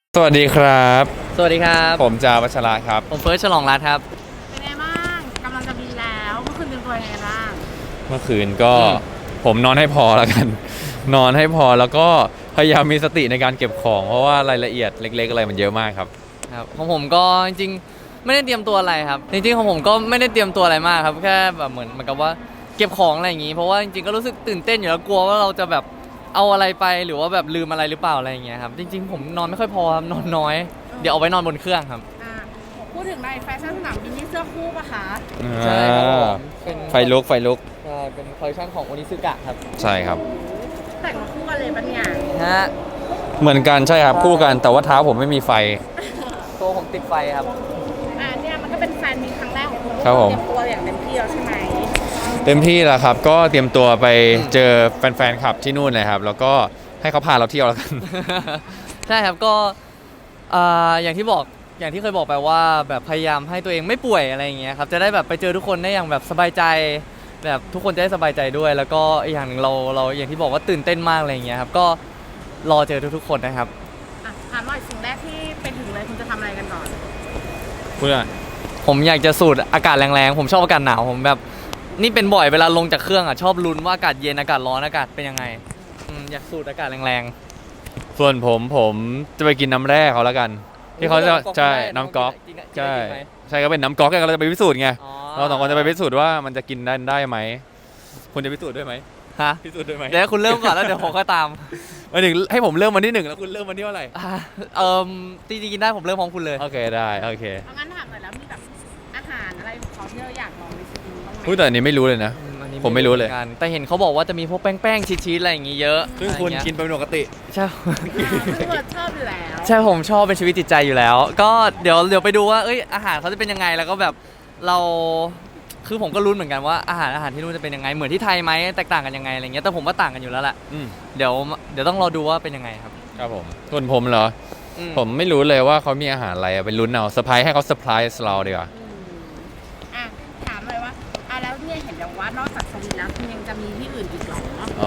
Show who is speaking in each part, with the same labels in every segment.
Speaker 1: สวัสดีครับ
Speaker 2: สวัสดีครับ
Speaker 1: ผมจาวัชระครับ
Speaker 2: ผมเฟิร์สฉลองรัตน์ครับ
Speaker 3: เป็นไงบ้างกำลังจะบินแล้วเมื่อคืนเตรียมตัวยังไงบ้าง
Speaker 1: เมื่อคืนก็ผมนอนให้พอแล้วกัน นอนให้พอแล้วก็พยายามมีสติในการเก็บของเพราะว่ารายละเอียดเล็กๆอะไรมันเยอะมากครับ
Speaker 2: ครับของผมก็จริงๆไม่ได้เตรียมตัวอะไรครับจริงๆของผมก็ไม่ได้เตรียมตัวอะไรมากครับแค่แบบเหมือนกับว่าเก็บของอะไรอย่างงี้เพราะว่าจริงๆก็รู้สึกตื่นเต้นอยู่แล้วกลัวว่าเราจะแบบเอาอะไรไปหรือว่าแบบลืมอะไรหรือเปล่าอะไรอย่างเงี้ยครับจริงๆผมนอนไม่ค่อยพอครับนอนน้อยเดี๋ยวเอาไว้นอนบนเครื่องครับ
Speaker 3: อ่าพูดถึงในแฟชั่นสนามบินนี่เสื้อคู่ปะคะ
Speaker 2: ใช่ครับผมเป็น
Speaker 1: ไฟลุก
Speaker 2: ใช่เป็นคอลเลคชันของโอนิซึกะครับ
Speaker 1: ใช่ครับ
Speaker 3: แต่งมาคู่กันเลยปะเนี่ย
Speaker 2: ฮะ
Speaker 1: เหมือนกันใช่ครับคู่กันแต่ว่าเท้าผมไม่มีไฟ
Speaker 2: ตัวผมติดไฟครับ
Speaker 3: เนี่ยมันก็เป็นแฟนมีครั้งแรกของคุณ
Speaker 1: ครับผม
Speaker 3: เตรียมตัวอย่างเต็มที่แล้วใช่ไหม
Speaker 1: เต็มที่แล้วครับก็เตรียมตัวไปเจอแฟนๆคลับที่นู่นเลยครับแล้วก็ให้เขาพาเราเที่ยวแล้วกัน
Speaker 2: ใช่ครับก็อย่างที่เคยบอกไปว่าแบบพยายามให้ตัวเองไม่ป่วยอะไรอย่างเงี้ยครับจะได้แบบไปเจอทุกคนได้อย่างแบบสบายใจแบบทุกคนจะได้สบายใจด้วยแล้วก็อีกอย่างหนึ่งเราอย่างที่บอกว่าตื่นเต้นมากอะไรอย่างเงี้ยครับก็รอเจอทุกๆคนนะครับ
Speaker 3: ถามหน่อยสิ่งแรกที่ไปถึงเลยคุณจะทำอะไรกันก่อน
Speaker 1: เพื่อ
Speaker 2: ผมอยากจะสูดอากาศแรงๆผมชอบอากาศหนาวผมแบบนี่เป็นบ่อยเวลาลงจากเครื่องอ่ะชอบลุ้นว่าอากาศเย็นอากาศร้อนอากาศเป็นยังไงอยากสูดอากาศแรง
Speaker 1: ส่วนผมจะไปกินน้ำแร่เขาแล้วกันที่เขาจะใช่น้ำก๊อกใช่ใช่ก็เป็นน้ำก๊อกเราจะไปพิสูจน์ไงเราสองคนจะไปพิสูจน์ว่ามันจะกินได้ไหมคุณจะพิสูจน์ด้วยไหม
Speaker 2: ฮะ
Speaker 1: พิสูจน์ด้วยไหม
Speaker 2: เดี๋ยวคุณเริ่มก่อนแล้วเดี๋ยวผมก็ตาม
Speaker 1: วันหนึ่งให้ผมเริ่มวันที่ 1แล้วคุณเริ่มวันที่เท่าไหร่
Speaker 2: จริงๆกินได้ผมเริ่มพร้อมคุณเลย
Speaker 1: โอเคได้โอเค
Speaker 3: งั้นถามหน่อยแล้วมีแบบอาหารอะไรของเขาที่เราอยากลองในชีวิตบ้างไหม
Speaker 1: พูดแต่อันนี้ไม่รู้เลยนะผมไม่รู้เลย
Speaker 2: แต่เห็นเขาบอกว่าจะมีพวกแป้งชีสอะไรอย่างงี้เยอะ
Speaker 1: ซึ่งคุณกินเป็นปกติ
Speaker 2: ใช่
Speaker 3: พี่เบิร์ดชอบอยู่แล้ว
Speaker 2: ใช่ผมชอบเป็นชีวิตจิตใจอยู่แล้วก็เดี๋ยวไปดูว่าอาหารเขาจะเป็นยังไงแล้วก็แบบเราคือผมก็รู้เหมือนกันว่าอาหารที่นู่นจะเป็นยังไงเหมือนที่ไทยไหมแตกต่างกันยังไงอะไรเงี้ยแต่ผมว่าต่างกันอยู่แล้วแหละเดี๋ยวต้องรอดูว่าเป็นยังไงครับ
Speaker 1: ครับผมส่วนผมเหรอผมไม่รู้เลยว่าเขามีอาหารอะไรเป็นลุ้นเอาเซอร์ไพรส์ให้เขาเซอร์ไพรส์เราดีกว่า
Speaker 3: ถามเลยว่าแล้วเนี่ยเห็นอย่างว่านอกจากสวิตแล้วคุณยังจะมีที่อื่นอีกหรอ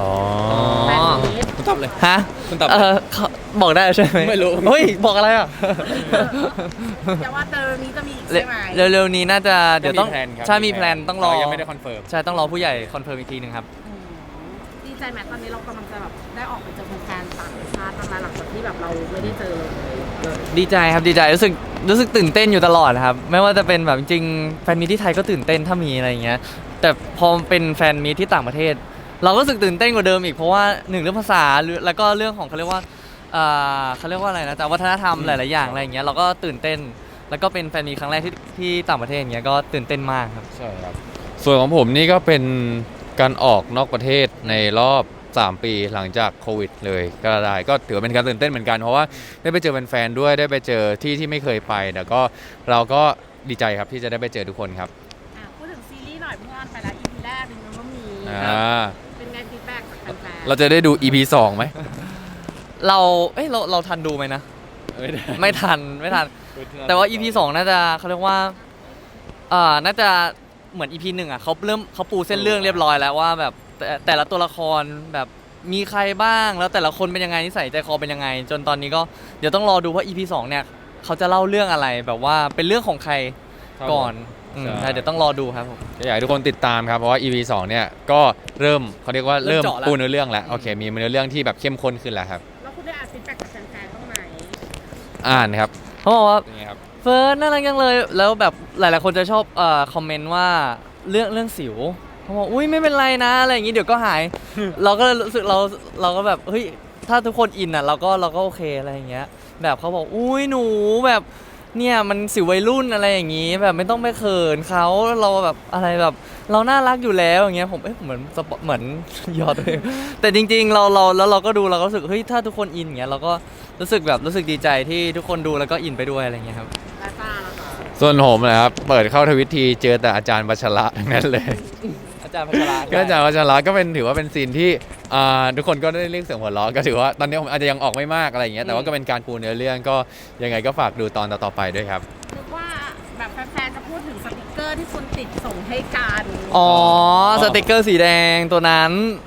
Speaker 1: คุณตอบเลย
Speaker 2: ฮะ
Speaker 1: คุณตอบ
Speaker 2: บอกได้ใช่ไหม
Speaker 1: ไม่รู้
Speaker 2: เฮ้ยบอกอะไรอ่ะ
Speaker 3: แต่ว่าเร็วนี้จะมีอีกใช่ไหม
Speaker 2: เร็วนี้น่าจะเดี๋ยวต้องใช่มีแพลนต้องรอ
Speaker 1: ยังไม่ได้คอนเฟิร์ม
Speaker 2: ใช่ต้องรอผู้ใหญ่คอนเฟิร์มอีกทีนึงครับ
Speaker 3: ดีใจไหมตอนนี้เรากำลังจะแบบได้ออกไปเจอแฟนต่างชาติหลังจากที่แบบเราไม่ได้เจอ
Speaker 2: ดีใจครับดีใจรู้สึกตื่นเต้นอยู่ตลอดครับไม่ว่าจะเป็นแบบจริงๆแฟนมีที่ไทยก็ตื่นเต้นถ้ามีอะไรอย่างเงี้ยแต่พอเป็นแฟนมีที่ต่างประเทศเราก็รู้สึกตื่นเต้นกว่าเดิมอีกเพราะว่า1เรื่องภาษาแล้วก็เรื่องของเขาเรียกว่าอะไรนะจากวัฒนธรรมหลายๆอย่างอะไรอย่างเงี้ยเราก็ตื่นเต้นแล้วก็เป็นแฟนมีครั้งแรกที่ต่างประเทศอย่างเงี้ยก็ตื่นเต้นมากครับ
Speaker 1: ใช่ครับส่วนของผมนี่ก็เป็นการออกนอกประเทศในรอบ3 ปีหลังจากโควิดเลยก็ได้ก็ถือเป็นการตื่นเต้นเหมือนกันเพราะว่าได้ไปเจอแฟนๆด้วยได้ไปเจอที่ไม่เคยไปแต่ก็เราก็ดีใจครับที่จะได้ไปเจอทุกคนครับ
Speaker 3: พูดถึงซีรีส์หน่อยเพื่อนไปแล้ว EP แรกนึงมันก็มีเป็นไงฟีดแบ็กจากแฟนๆ
Speaker 1: เราจะได้ดู EP 2ไหม
Speaker 2: เราทันดูไหมนะไม่ทันแต่ว่า EP 2น่าจะเขาเรียกว่าน่าจะเหมือน EP 1เขาปูเส้นเรื่องเรียบร้อยแล้วว่าแบบแต่ละตัวละครแบบมีใครบ้างแล้วแต่ละคนเป็นยังไงนิสัยใจคอเป็นยังไงจนตอนนี้ก็เดี๋ยวต้องรอดูว่า EP 2เนี่ยเขาจะเล่าเรื่องอะไรแบบว่าเป็นเรื่องของใครก่อนเดี๋ยวต้องรอดูครับผม
Speaker 1: อยากให้ทุกคนติดตามครับเพราะว่า EP 2เนี่ยก็เริ่มเขาเรียกว่าเริ่มปูเนื้อเรื่องแล้วโอเคมีเนื้อเรื่องที่แบบเข้มข้นขึ้นแล้วครับ
Speaker 3: แล้วคุณได้อ่านฟีดแบ็กจากแฟนๆบ้างไหม
Speaker 1: อ่านครับ
Speaker 2: เขาบอกว่าเฟิร์สน่ารักจังเลยแล้วแบบหลายๆคนจะชอบคอมเมนต์ว่าเรื่องสิวเขาบอกอุ้ยไม่เป็นไรนะอะไรอย่างงี้เดี๋ยวก็หายเราก็รู้สึกเราก็แบบเฮ้ยถ้าทุกคนอินอ่ะเราก็โอเคอะไรอย่างเงี้ยแบบเขาบอกอุ้ยหนูแบบเนี่ยมันสิววัยรุ่นอะไรอย่างงี้แบบไม่ต้องไปเขินเขาเราแบบอะไรแบบเราน่ารักอยู่แล้วอย่างเงี้ยผมเหมือนยอดเลยแต่จริงๆเราก็ดูเราก็รู้สึกเฮ้ยถ้าทุกคนอินอย่างเงี้ยเราก็รู้สึกดีใจที่ทุกคนดูแล้วก็อินไปด้วยอะไรเงี้ยครับ
Speaker 1: ส่วนผมนะครับเปิดเข้าทวิตทีเจอแต่อาจารย์วัชระทั้งนั้นเลย
Speaker 2: อาจารย์พัชระ
Speaker 1: ก็อาจารย์วัชระก็เป็นถือว่าเป็นซีนที่ทุกคนก็ได้เรียกเสียงหัวเราะก็ถือว่าตอนนี้ผมอาจจะยังออกไม่มากอะไรอย่างเงี้ยแต่ว่าก็เป็นการปูเนื้อเรื่องก็ยังไงก็ฝากดูตอนต่อไปด้วยครับ
Speaker 3: นึกว่าแบบแฟนๆจะพูดถึงสติกเกอร์ที่คุณติดส่งให้กัน
Speaker 2: สติกเกอร์สีแดงตัวนั้น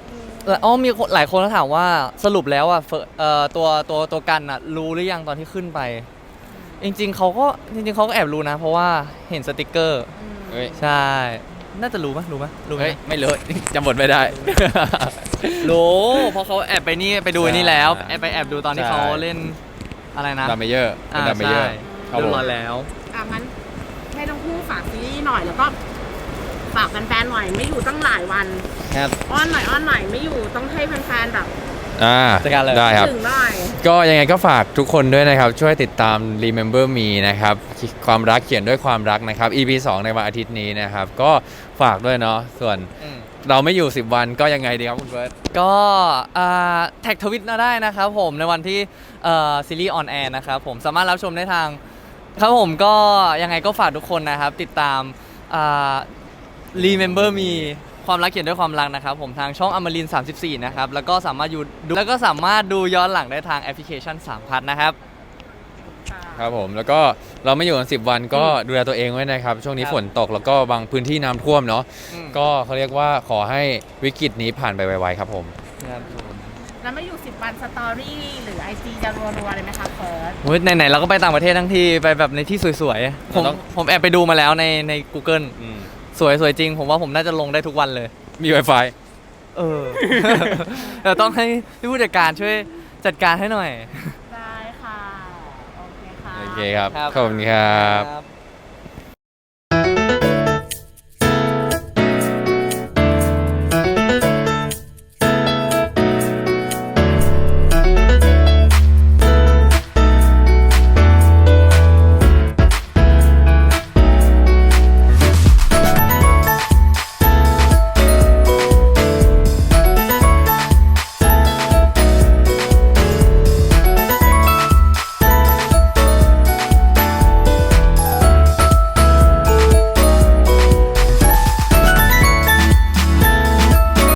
Speaker 2: อ๋อมีคนหลายคนเขาถามว่าสรุปแล้วอ่ะตัวกันอ่ะรู้หรือยังตอนที่ขึ้นไป จริงๆเขาก็แอบรู้นะ เพราะว่าเห็นสติกเกอร์
Speaker 1: เฮ้ย
Speaker 2: ใช่ น่าจะรู้ไหมรู้ไหม
Speaker 1: เฮ้ยไม่รู้ จำบทไม่ได้
Speaker 2: รู้เพราะเขาแอบไปนี่ไปดูไอ้นี่แล้ว
Speaker 1: ใช่
Speaker 2: ไปแอบดูตอนที่
Speaker 1: ใช่
Speaker 2: เขาเล่นอะไรนะ
Speaker 1: ดัมเมเยอร์เป็นดัมเมเยอร์ครับ
Speaker 2: เรีย
Speaker 1: ผม
Speaker 2: บร้อยแล้ว
Speaker 3: งั้นให้ทั้งคู่ฝากซีรีส์หน่อยแล้วก็ฝากแฟนๆหน่อยไม่อยู่ตั้งหลายวัน
Speaker 1: ครับ
Speaker 3: อ้อนหน่อยไม่อยู่ต้องให้แฟนๆแบบ
Speaker 1: จัดการเลยได้ครับ
Speaker 3: ถึงหน่อย
Speaker 1: ก็ยังไงก็ฝากทุกคนด้วยนะครับ ช่วยติดตาม Remember Me นะครับ ความรักเขียนด้วยความรักนะครับ EP 2 ในวันอาทิตย์นี้นะครับ ก็ฝากด้วยเนาะส่วนเราไม่อยู่ 10 วันก็ยังไงดีครับคุณเฟิร์ส
Speaker 2: ก็แท็กทวิตมาได้นะครับผมในวันที่ซีรีส์ออนแอร์นะครับผมสามารถรับชมได้ทางครับผมก็ยังไงก็ฝากทุกคนนะครับ ติดตามRemember Me ความรักเขียนด้วยความรักนะครับผมทางช่องอมรินทร์34นะครับแล้วก็สามารถดูย้อนหลังได้ทางแอปพลิเคชัน3พัทนะครับ
Speaker 1: ครับผมแล้วก็เราไม่อยู่กัน10 วันก็ดูแลตัวเองไว้นะครับ ช่วงนี้
Speaker 2: ครับ
Speaker 1: ฝนตกแล้วก็บางพื้นที่น้ำท่วมเนาะ
Speaker 2: อืม
Speaker 1: ก็เขาเรียกว่าขอให้วิกฤตนี้ผ่านไปไวๆครับผม
Speaker 2: ครับผม
Speaker 3: แล้วไม่อยู่10 วันสตอรี่หรือ IG จะรัวๆเลยไหมคะเฟิร์ส
Speaker 2: เฮ้ยไหนๆเราก็ไปต่างประเทศทั้งทีไปแบบในที่สวยๆผมแอบไปดูมาแล้วใน Google สวยจริง ผมว่าผมน่าจะลงได้ทุกวันเลย
Speaker 1: มี Wi-Fi
Speaker 2: เออ แต่ต้องให้พี่ผู้จัดการช่วยจัดการให้หน่อย
Speaker 3: ได้ค่ะ โอเคค่ะ
Speaker 1: โอเคครับ
Speaker 2: ครับ
Speaker 1: ขอบคุณครับ
Speaker 2: ครับ